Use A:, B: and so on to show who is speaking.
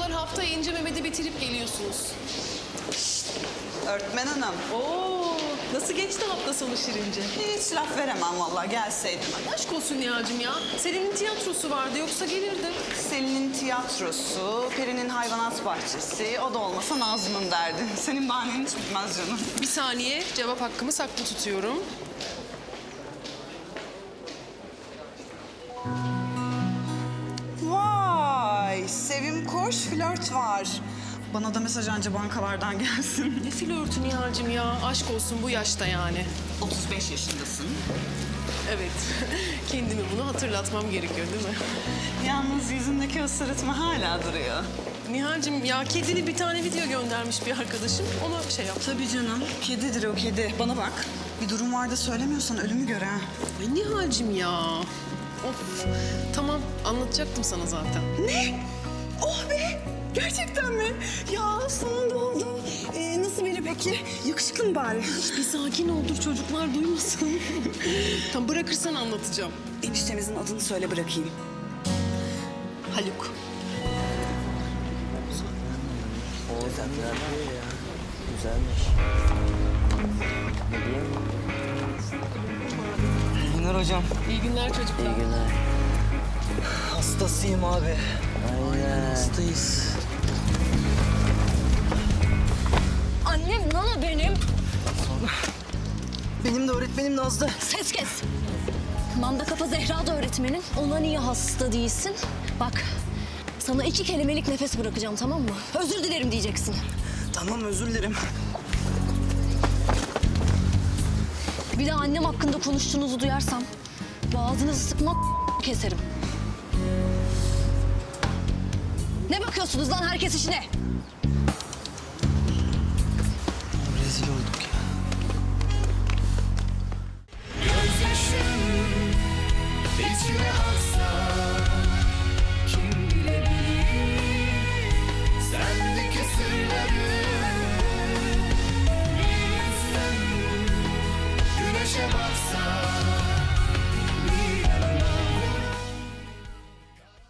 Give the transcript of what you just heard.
A: kadar haftaya İnce Mehmet'i bitirip geliyorsunuz.
B: Öğretmen hanım.
A: Oo, nasıl geçti hafta sonu Şirince?
B: Hiç laf veremem vallahi gelseydim.
A: Aşk olsun Nihal'cim ya. Selin'in tiyatrosu vardı yoksa gelirdim.
B: Selin'in tiyatrosu, Peri'nin hayvanat bahçesi, o da olmasa Nazlı'nın derdi. Senin bahanen hiç bitmez canım.
A: Bir saniye, cevap hakkımı saklı tutuyorum.
B: Vay, Sevim koş, flört var. Bana da mesaj anca bankalardan gelsin.
A: Ne flörtü Nihal'cim ya. Aşk olsun bu yaşta yani.
B: 35 yaşındasın.
A: Evet, kendime bunu hatırlatmam gerekiyor değil mi?
B: Yalnız yüzündeki o sırıtma hala duruyor.
A: Nihal'cim ya kedili bir tane video göndermiş bir arkadaşım. Ona şey yap.
B: Tabii canım, kedidir o kedi. Bana bak, bir durum var da söylemiyorsan ölümü gör ha.
A: Ay Nihal'cim ya. Of, tamam anlatacaktım sana zaten.
B: Ne? Oh be! Gerçekten mi? Ya sonunda oldu. Nasıl biri peki? Yakışıklı mı bari?
A: Bir sakin ol dur çocuklar duymasın. Tam bırakırsan anlatacağım.
B: Eniştemizin adını söyle bırakayım.
A: Haluk.
C: O güzel ya. Güzelmiş. Ne diyeyim? İyi günler hocam.
A: İyi günler çocuklar.
C: İyi günler.
D: Hastasıyım abi.
C: Aynen.
D: Hastayız.
E: Annem Nana benim.
D: Benim de öğretmenim Nazlı.
E: Ses kes. Manda kafa Zehra da öğretmenin. Ona niye hasta değilsin? Bak, sana 2 kelimelik nefes bırakacağım, tamam mı? Özür dilerim diyeceksin.
D: Tamam, özür dilerim.
E: Bir daha annem hakkında konuştuğunuzu duyarsam boğazınızı sıkmak keserim. Ne bakıyorsunuz lan, herkes işine?
D: Rezil olduk ya.
F: Gözyaşım içime aksa